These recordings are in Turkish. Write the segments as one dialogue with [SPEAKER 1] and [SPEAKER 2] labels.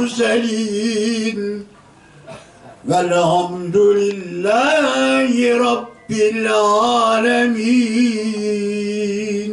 [SPEAKER 1] المرسلين والحمد لله رب العالمين.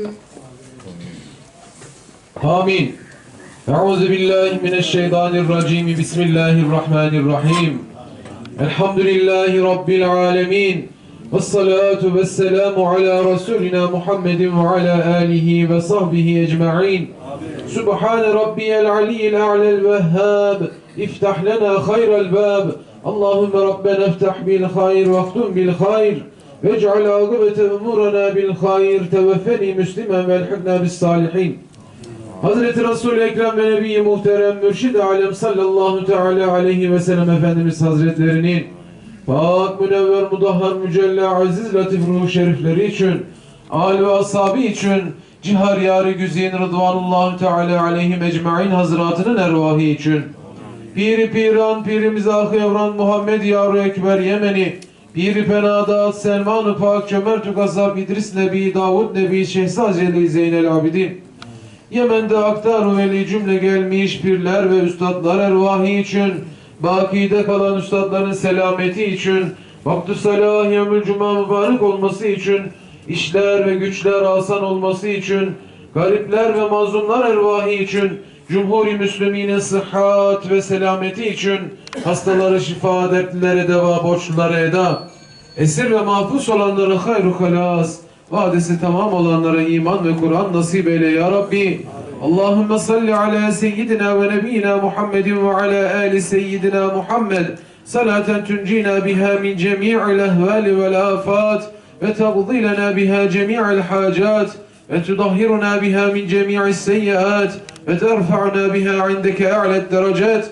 [SPEAKER 2] آمين. أعوذ بالله من الشيطان الرجيم. بسم الله الرحمن الرحيم. الحمد لله رب العالمين. والصلاة والسلام على رسولنا محمد وعلى آله وصحبه أجمعين. سبحان ربي العلي الأعلى الوهاب. افتح لنا خير الباب. اللهم ربنا افتح بالخير واختم بالخير. واجعل عاقبة أمورنا بالخير. توفني مسلما والحقنا بالصالحين. Hazreti Resul-i Ekrem ve Nebi-i Muhterem Mürşid-i Alem sallallahu teala aleyhi ve sellem Efendimiz Hazretlerinin Pak, Münevver, Mudahhar, Mücella, Aziz, Latif ruhu şerifleri için, âl ve ashabı için, cihar yâri güzin Rıdvanullahu teala aleyhim ecmaîn hazretinin ervahı için, Piri Piran, Pirimiz Ahı Evran Muhammed Yar-ı Ekber Yemeni, Piri Penadat, Selman-ı Pak, Cömert-ü Gazab, İdris Nebi, Davud Nebi, Şehzad-ı Zeynel Abidin, Yemen'de aktar veli cümle gelmiş pirler ve üstadlar ervahı için, bakide kalan üstadların selameti için, vakti salah yevmül cuma mübarek olması için, işler ve güçler asan olması için, garipler ve mazlumlar ervahı için, Cumhur-i Müslümine sıhhat ve selameti için, hastaları şifa, dertlilere deva, borçlulara eda, esir ve mahpus olanlara hayru halas, vadesi tamam olanlara iman ve Kur'an nasip eyle ya Rabbi. Allahümme salli ala seyyidina ve nebiyyina Muhammedin ve ala ali seyyidina Muhammed salaten tuncina biha min cemi'il ehvali vel afat ve taqdilena biha cemi'il hacat ve tudahhiruna biha min cemi'is seyyiat ve terfa'na biha indeke a'led derecat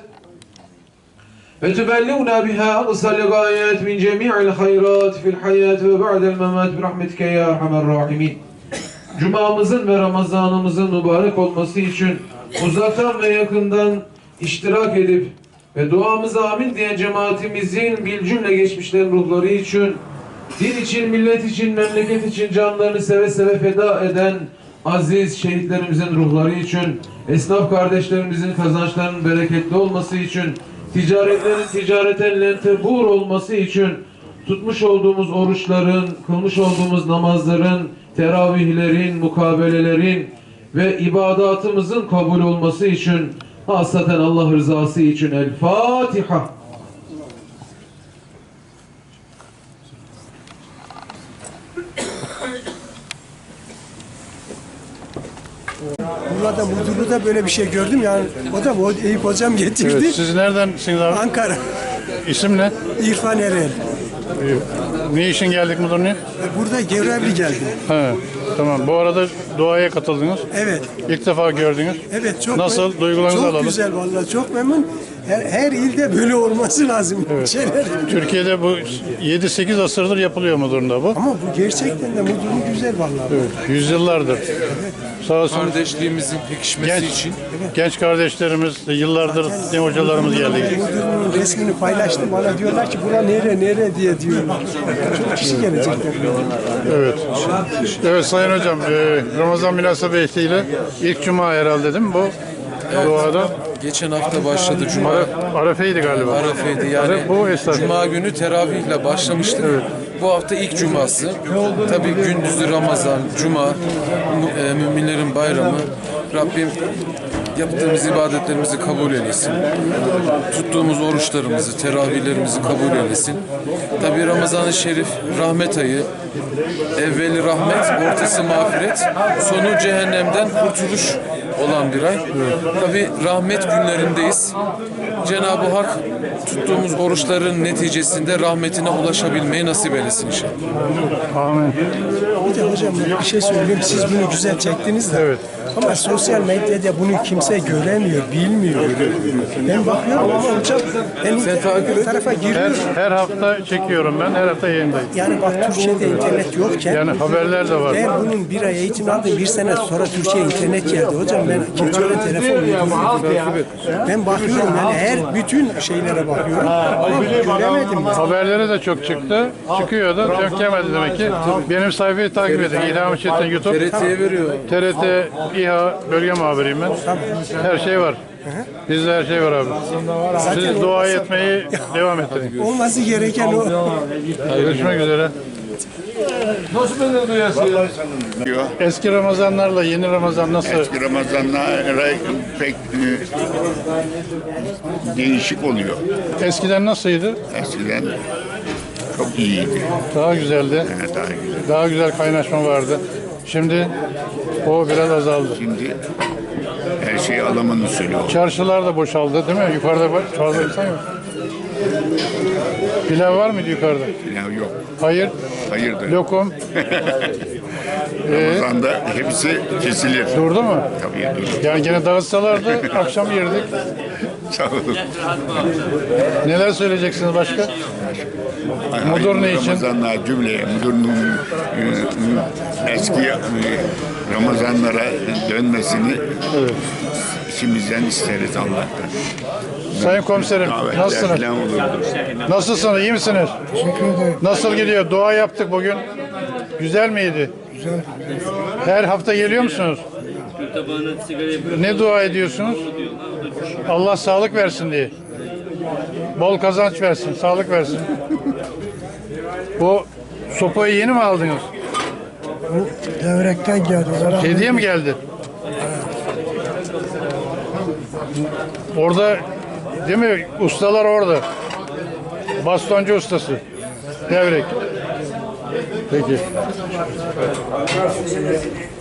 [SPEAKER 2] ve tübelliğuna biha aqsal gayet min cemi'il hayrat fil hayat ve ba'del memat bi rahmetike ya erhamer rahimin. Cumamızın ve Ramazanımızın mübarek olması için uzaktan ve yakından iştirak edip ve duamıza amin diyen cemaatimizin bilcümle geçmişlerin ruhları için, din için, millet için, memleket için canlarını seve seve feda eden aziz şehitlerimizin ruhları için, esnaf kardeşlerimizin kazançlarının bereketli olması için, ticaretlerin ticareten lentebur olması için, tutmuş olduğumuz oruçların, kılmış olduğumuz namazların, teravihlerin, mukabelelerin ve ibadatımızın kabul olması için, hasaten Allah rızası için El Fatiha.
[SPEAKER 3] Burada Mudurlu'da böyle bir şey gördüm yani. O da Eyüp hocam getirdi.
[SPEAKER 4] Evet, siz neredensiniz abi?
[SPEAKER 3] Ankara.
[SPEAKER 4] İsim ne?
[SPEAKER 3] İrfan Erel.
[SPEAKER 4] Ne için geldik Mudurlu'ya?
[SPEAKER 3] Burada görevli geldi.
[SPEAKER 4] He, tamam. Bu arada duaya katıldınız.
[SPEAKER 3] Evet.
[SPEAKER 4] İlk defa gördünüz.
[SPEAKER 3] Evet çok
[SPEAKER 4] Nasıl? Duygularınızı
[SPEAKER 3] çok
[SPEAKER 4] alalım.
[SPEAKER 3] güzel vallahi çok memnun. Her ilde böyle olması lazım.
[SPEAKER 4] Evet.
[SPEAKER 3] Şeyler.
[SPEAKER 4] Türkiye'de bu 7-8 asırdır yapılıyor Mudurlu'da bu.
[SPEAKER 3] Ama bu gerçekten de Mudurlu güzel vallahi.
[SPEAKER 4] Evet, yüzyıllardır. Sağ olsun.
[SPEAKER 5] Kardeşliğimizin pekişmesi için.
[SPEAKER 4] Genç kardeşlerimiz, yıllardır ne hocalarımız geldi.
[SPEAKER 3] Mudurlu'nun resmini paylaştım. Bana diyorlar ki bura nere diye diyorlar. Çok kişi gelecekler.
[SPEAKER 4] Evet. Evet Sayın Hocam, Ramazan münasebetiyle ilk cuma herhalde değil mi bu? Duada.
[SPEAKER 5] Geçen hafta başladı Cuma.
[SPEAKER 4] Arefe'ydi galiba.
[SPEAKER 5] Arefe'ydi yani.
[SPEAKER 4] Bu esas.
[SPEAKER 5] Cuma günü teravihle başlamıştık. Evet. Bu hafta ilk cuması. Tabii gündüzü Ramazan, Cuma, müminlerin bayramı. Rabbim yaptığımız ibadetlerimizi kabul eylesin. Tuttuğumuz oruçlarımızı, teravihlerimizi kabul eylesin. Tabii Ramazan-ı Şerif rahmet ayı. Evveli rahmet, ortası mağfiret, sonu cehennemden kurtuluş olan bir ay. Tabii rahmet günlerindeyiz. Cenab-ı Hak tuttuğumuz oruçların neticesinde rahmetine ulaşabilmeyi nasip eylesin inşallah.
[SPEAKER 4] Amin.
[SPEAKER 3] Bir de hocam bir şey söyleyeyim. Siz bunu güzel çektiniz de.
[SPEAKER 4] Evet.
[SPEAKER 3] Ama sosyal medyada bunu kimse göremiyor, bilmiyor. Ben bakıyorum ama hocam ben tarafa giriyorum.
[SPEAKER 4] Her hafta çekiyorum ben, her hafta yayındayım.
[SPEAKER 3] Yani bak Türkçe'de internet yokken.
[SPEAKER 4] Yani haberler de var.
[SPEAKER 3] Ben bunun bir ay eğitim aldım, bir sene sonra Türkçe'ye internet geldi. Hocam ben Keçiören telefon ben bakıyorum yani bütün şeylere bakıyorum ama göremedim.
[SPEAKER 4] Haberlere de çok çıktı. Çıkıyor da denk gelmedi demek ki. Benim sayfayı takip edin. İlham Çetin YouTube.
[SPEAKER 5] TRT'ye veriyor.
[SPEAKER 4] TRT İHA bölge muhabiriyim ben. Her şey var. Bizde her şey var abi. Siz dua etmeyi devam ettirin.
[SPEAKER 3] Olması gereken o.
[SPEAKER 4] Görüşmek üzere. Eski Ramazanlarla yeni Ramazan nasıl?
[SPEAKER 1] Eski Ramazanlara pek değişik oluyor.
[SPEAKER 4] Eskiden nasıldı?
[SPEAKER 1] Eskiden çok iyiydi.
[SPEAKER 4] Daha güzeldi.
[SPEAKER 1] Yani daha güzel.
[SPEAKER 4] Daha güzel kaynaşma vardı. Şimdi o biraz azaldı.
[SPEAKER 1] Şimdi her şey Allah'ın usulü oldu.
[SPEAKER 4] Çarşılar da boşaldı değil mi? Yukarıda fazla insan yok. Pilav var mıydı yukarıda?
[SPEAKER 1] Yani yok.
[SPEAKER 4] Hayır.
[SPEAKER 1] Hayırdır.
[SPEAKER 4] Lokum.
[SPEAKER 1] Ramazan'da hepsi kesilir.
[SPEAKER 4] Durdu mu?
[SPEAKER 1] Tabii dur.
[SPEAKER 4] Yani gene dağıtsalardı akşam yerdik.
[SPEAKER 1] Sağ olun.
[SPEAKER 4] Neler söyleyeceksiniz başka? Mudur ne için?
[SPEAKER 1] Ramazanlar cümleye, Mudur'un eski Ramazanlara dönmesini içimizden isteriz Allah'tan.
[SPEAKER 4] Sayın komiserim
[SPEAKER 1] Davetler
[SPEAKER 4] nasılsınız?
[SPEAKER 1] falan olurdu.
[SPEAKER 4] Nasılsınız? İyi misiniz? Nasıl gidiyor? Dua yaptık bugün. Güzel miydi? Güzel. Her hafta geliyor musunuz? Ne dua ediyorsunuz? Allah sağlık versin diye. Bol kazanç versin, sağlık versin. Bu sopayı yeni mi aldınız?
[SPEAKER 3] Devrekten geldi.
[SPEAKER 4] Hediye mi geldi? Orada değil mi? Ustalar orada. Bastoncu ustası. Devrek. Peki.